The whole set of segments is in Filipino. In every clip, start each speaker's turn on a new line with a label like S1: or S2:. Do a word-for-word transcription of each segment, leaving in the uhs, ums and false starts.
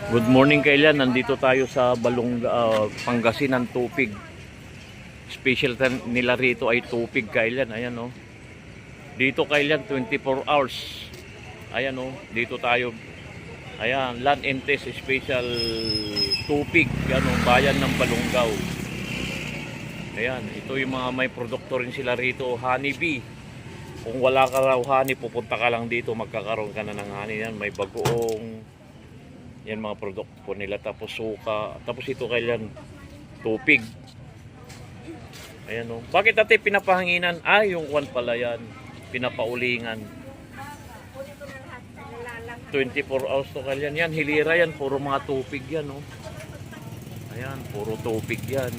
S1: Good morning kailan, nandito tayo sa Balong uh, Pangasinan Tupig. Special nila rito ay tupig kailan, ayan oh. Dito kailan twenty-four hours. Ayan oh, dito tayo. Ayan, Land and Test Special Tupig, ano, bayan ng Balongaw. Ayan, ito yung mga may produkto rin sila rito, honey bee. Kung wala ka raw honey, pupunta ka lang dito, magkakaroon ka na ng honey. Yan, may bagoong, yan mga produkto nila, tapos suka, tapos ito kailan tupig. Ayan o. Bakit ate pinapahanginan? Ah, yung kwan pala yan, pinapaulingan. twenty-four hours to kailan yan, hilira yan, puro mga tupig yan o. Ayan, puro tupig yan.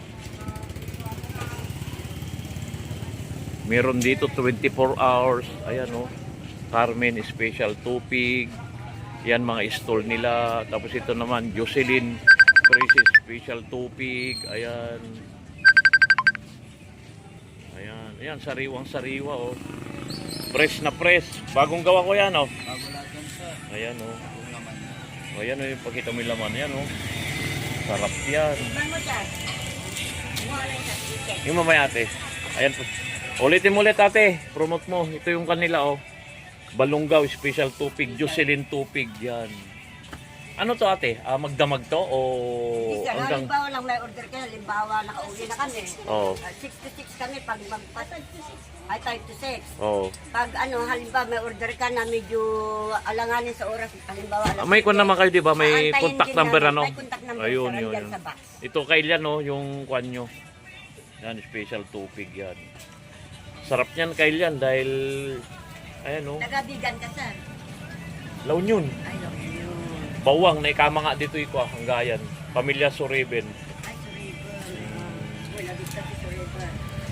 S1: Meron dito twenty-four hours. Ayan o, Carmen Special Tupig. Yan mga stall nila. Tapos ito naman Jocelyn Crisis Special Tupig. Ayan. Ayan, ayan, sariwang sariwa o. Fresh na fresh. Bagong gawa ko yan o.
S2: Bago lahat yan, sir.
S1: Ayan o.
S2: Yung laman niya.
S1: Ayan o, yung pakita mo yung laman. Ayan o. Sarap yan. Yung mamaya ate. Ayan po. Ulitin mo ulit ate, promote mo. Ito yung kanila oh. Balongaw Special Tupig, Jocelyn Tupig yan. Ano to ate? Ah, magdamag to o
S3: Isa,
S1: hanggang
S3: halimbawa lang may order kayo, halimbawa nakauwi na kami.
S1: oh.
S3: Uh, six to six kami pag magpas ay five to six.
S1: Oh.
S3: Pag ano, halimbawa may order ka na medyo alanganin sa oras, halimbawa alas
S1: Ah, may kwan
S3: siyete.
S1: naman kayo 'di ba? May
S3: Aantayin
S1: contact
S3: din
S1: number
S3: namin.
S1: ano?
S3: May contact number
S1: Ayun,
S3: sir,
S1: yun,
S3: andyan
S1: yun.
S3: sa box.
S1: Ito kailan no, yung kwan nyo. Yan, Special Tupig yan. Sarap niyan kailan dahil ayan oh.
S3: Nagabigan ka sir.
S1: Laon yun.
S3: Ay, no, yun.
S1: Bawang na ikama nga dito iko ang gayan. Pamilya Suriben.
S3: Ay, Suriban. Wala dito si Suriban.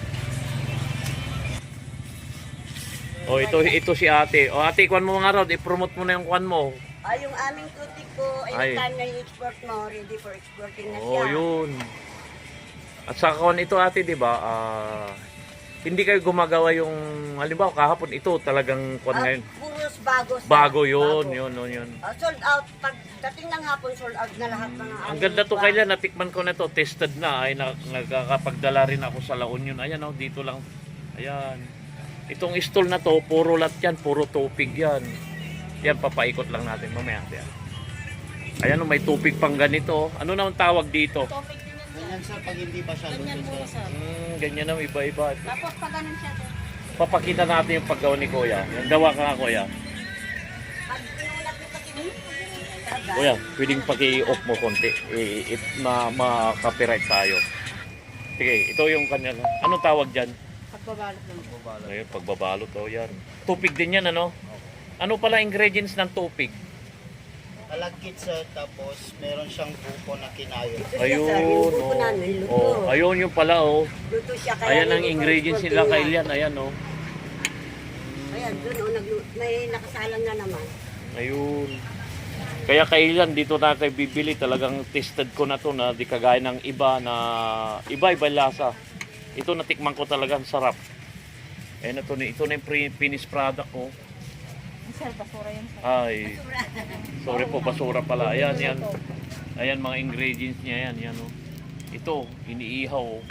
S1: Oh, ito ito si ate. Oh, ate, kwan mo nga raw, i-promote mo na yung kwan mo.
S3: Ay, yung aming tutik ko,
S1: Ay.
S3: ay, time na i-export mo, ready for exporting na siya.
S1: Oh, yun. At sa kwan ito ate, 'di ba? Ah, hindi kayo gumagawa yung halimbawa kahapon ito talagang kwan
S3: Ah,
S1: ngayon.
S3: puros bago. sir.
S1: Bago yun,
S3: Bago.
S1: yun, yun, yun.
S3: Ah, sold out. Pag dating ng hapon, sold out na lahat ng
S1: Ang ganda to kailan, natikman ko na to, tested na, ay na- nagkakapagdala rin ako sa La Union. Ayan oh, dito lang. Ayan. Itong stall na to, puro lat yan, puro tupig yan. Yan, papaikot lang natin mamaya. Yan. Ayan oh, may tupig pang ganito. Ano naman tawag dito?
S2: Ganyan, sir, pag hindi pa siya luto, sir.
S1: Hmm, ganyan na, iba-iba.
S3: Tapos pag ganun siya to.
S1: Papakita natin yung paggawa ni Kuya. Yung gawa ka nga, Kuya.
S3: Pag pinulat mo kasi
S1: Kuya, pwedeng paki-off mo konti. Eh, it, ma, ma-copyright tayo. Sige, ito yung kanya. Anong tawag dyan?
S3: pagbabalot ng
S2: Bubala.
S1: Ayun, pagbabalot to yan. Tupig din yan, ano? Ano pala ingredients ng tupig?
S2: Kalagkit, sir, tapos meron siyang buko na kinayo.
S1: Ayun,
S3: Yung
S1: oh.
S3: buko namin, luto.
S1: Oh, ayun yung pala, oh.
S3: Luto siya kaya.
S1: Ayan ang
S3: ready for
S1: ingredients
S3: exporting
S1: nila
S3: na.
S1: kailan, ayan, oh.
S3: Ayan, doon oh, naglu- may nakasalang na naman.
S1: Ayun. Kaya kailan dito na tayo bibili, talagang tested ko na to na di kagaya ng iba na iba-iba lasa. Ito natikman ko talaga, ang sarap. Ayan na to, ito na yung pre- finished product ko.
S3: Sir, basura yun sir.
S1: Ay, sorry po, basura pala. Ayan, yan. Ayan mga ingredients niya, yan, yan, oh. Ito, iniihaw, oh.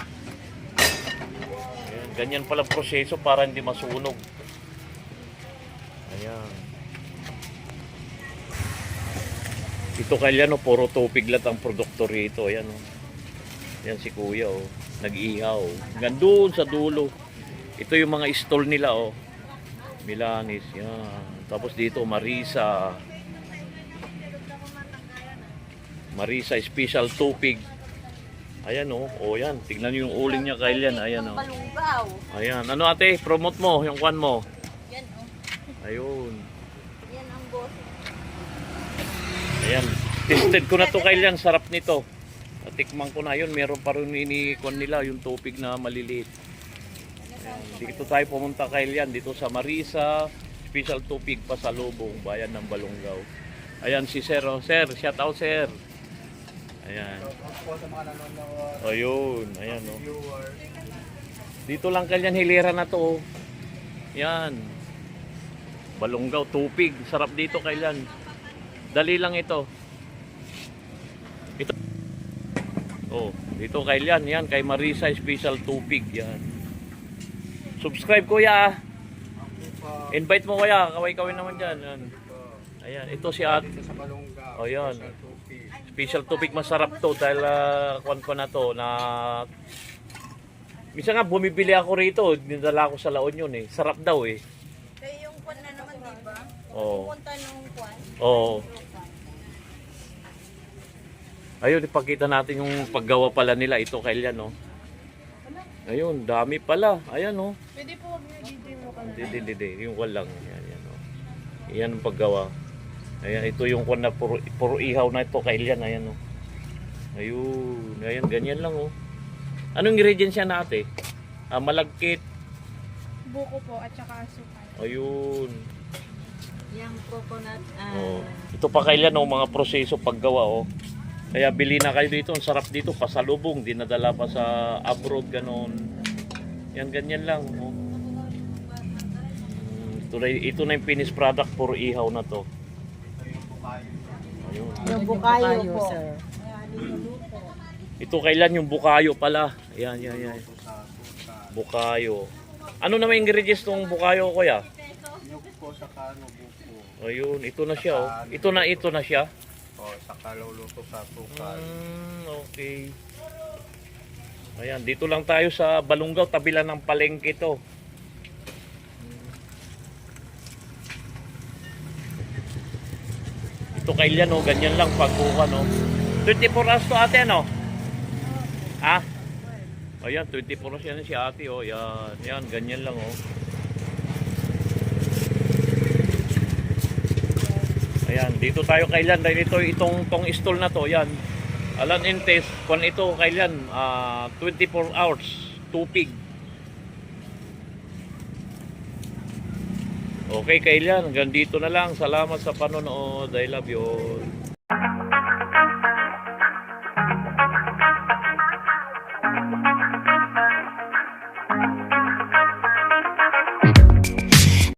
S1: Ayan, ganyan pala proseso para hindi masunog. Ayan. Ito kailan, oh, puro tupig lang ang produkto rito. Ayan, oh. Ayan si Kuya, oh. Nag-ihaw. Gandun sa dulo. Ito yung mga stall nila, oh. Milanis, yan. Tapos dito, Marisa. Marisa Special Tupig. Ayan, oh. O, yan. Tignan nyo yung uling niya kailan. Ayan, oh.
S3: Balunggaw.
S1: Ayan. Ano ate? Promote mo yung kwan mo.
S3: Yan oh.
S1: Ayun.
S3: Yan ang boss.
S1: Ayan. Tested ko na to kailan. Sarap nito. Tikman ko na yun. Meron pa rin ini-kwan nila yung tupig na maliliit. Ayan. Dito tayo pumunta kailan. Dito sa Marisa Special Tupig pa sa Lubong, bayan ng Balongaw. Ayan si Sir. Oh. Sir, shout out Sir. Ayan.
S2: Po sa mga nanonood,
S1: Ayun. Ayan, oh.
S2: viewers.
S1: Dito lang kailan hilera na to. Oh. Yan. Balongaw, tupig. Sarap dito kailan. Dali lang ito. Oh, dito kay Lian, yan, kay Marisa Special Tupig, yan. Subscribe kuya. Invite mo kuya, kaway-kaway naman dyan. Yan. Ayan, ito si At.
S4: Sa Balonga.
S1: Oh, yan.
S4: Sa Tupig.
S1: Special Tupig, masarap to dahil uh, kuwan ko na to na minsan nga bumibili ako rito, dinala ko sa La Union eh. Sarap daw eh.
S5: Kaya yung kwan na naman, di ba?
S1: Oo.
S5: Pupunta nung kwan.
S1: Oo. Ayun, ipakita natin yung paggawa pala nila. Ito kay Lian, no? Ayun, dami pala. Ayan, no?
S5: Pwede po huwag niyo dito mo ka na.
S1: Hindi, hindi, hindi. Yung walang. Yan, yan, no? Yan ang paggawa. Ayan, ito yung kwan na puro, puro ihaw na ito kay Lian. Ayan, no? Ayun. Ayan, ganyan lang, oh. Anong ingredients yan natin? Ah, malagkit.
S5: Buko po at saka asukal.
S1: Ayun.
S5: Yung coconut.
S1: Oh. Ito pa kay Lian, oh, mga proseso paggawa, oh. Kaya bili na kayo dito, ang sarap dito, pasalubong, dinadala pa sa abroad, ganon. Yan, ganyan lang. Oh. Mm, ito, na, ito na yung finished product, puro ihaw na to. Ayun.
S3: Yung bukayo po.
S1: Ito kailan yung bukayo pala. Yan, yan, yan. Bukayo. Ano naman yung ingredients ng bukayo, kuya?
S4: Nyug po sa kano buko.
S1: Ayun, ito na siya, oh. Ito na, ito na siya.
S4: O, sa kaluluto sa tukal.
S1: Mm, okay. Ayan, dito lang tayo sa Balungaw, tabi lang ng palengke to. Ito kay Lian, oh, ganyan lang pagkuha, no. twenty-four hours to ate, ano? Ha? Ayan, twenty-four hours yan si ate, oh. Yan, yan, ganyan lang, oh. Ayan, dito tayo kay Lian dahil ito itong tong stall na to, yan. Alan Entes, kung ito kay Lian, uh, twenty-four hours, tupig. Okay kay Lian, hanggang dito na lang. Salamat sa panonood. I love you all.